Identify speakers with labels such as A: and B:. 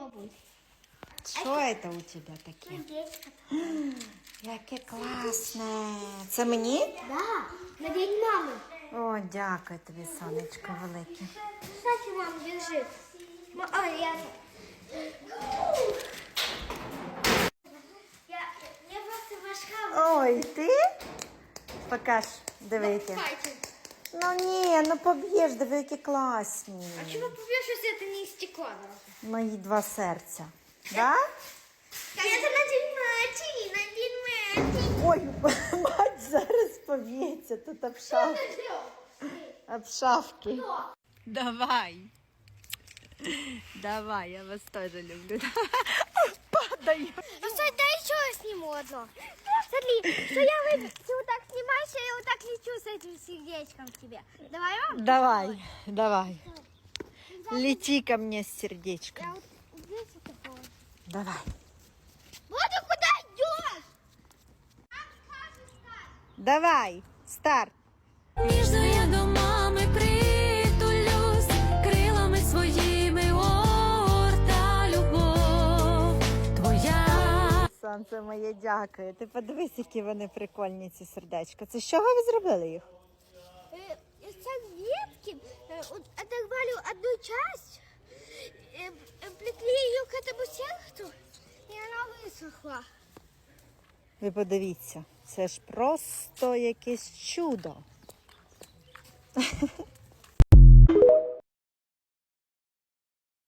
A: попробуй.
B: Що це у тебе таке?
A: Сердечко.
B: Яке класне. Це мені?
A: Да, на день мамы.
B: О, дякую тобі, сонечко велике.
A: Кстати, мам, держи. Я просто важка.
B: Ой, ти? Покаж, диви які. Ну ні, ну поб'єш, диви які класні.
A: А чего побьешь, если это не из стекла?
B: Мої два серця. Да?
A: Это на день матери, на день матери.
B: Ой, мать зараз поб'ється, тут об шавки. Давай. Давай, я вас тоже люблю. Падаю.
A: Ну, стой, дай еще сниму одно. Смотри, что я ты вот так снимаешь, а я вот так лечу с этим сердечком к тебе. Давай, мам?
B: Давай, давай. Лети ко мне с сердечком.
A: Я вот здесь вот такого.
B: Давай.
A: Вот ты куда идешь?
B: Давай, старт.
C: Ніжно я до мами притулюсь, крилами своїми орта любов твоя.
B: Сонце моє, дякую. Ти подивись, які вони прикольні, ці сердечка. Це з чого ви зробили їх?
A: Из ветки оторвали одну часть, плекли ее к этому сердцу, и она высохла.
B: Ви подивіться, це ж просто якесь чудо.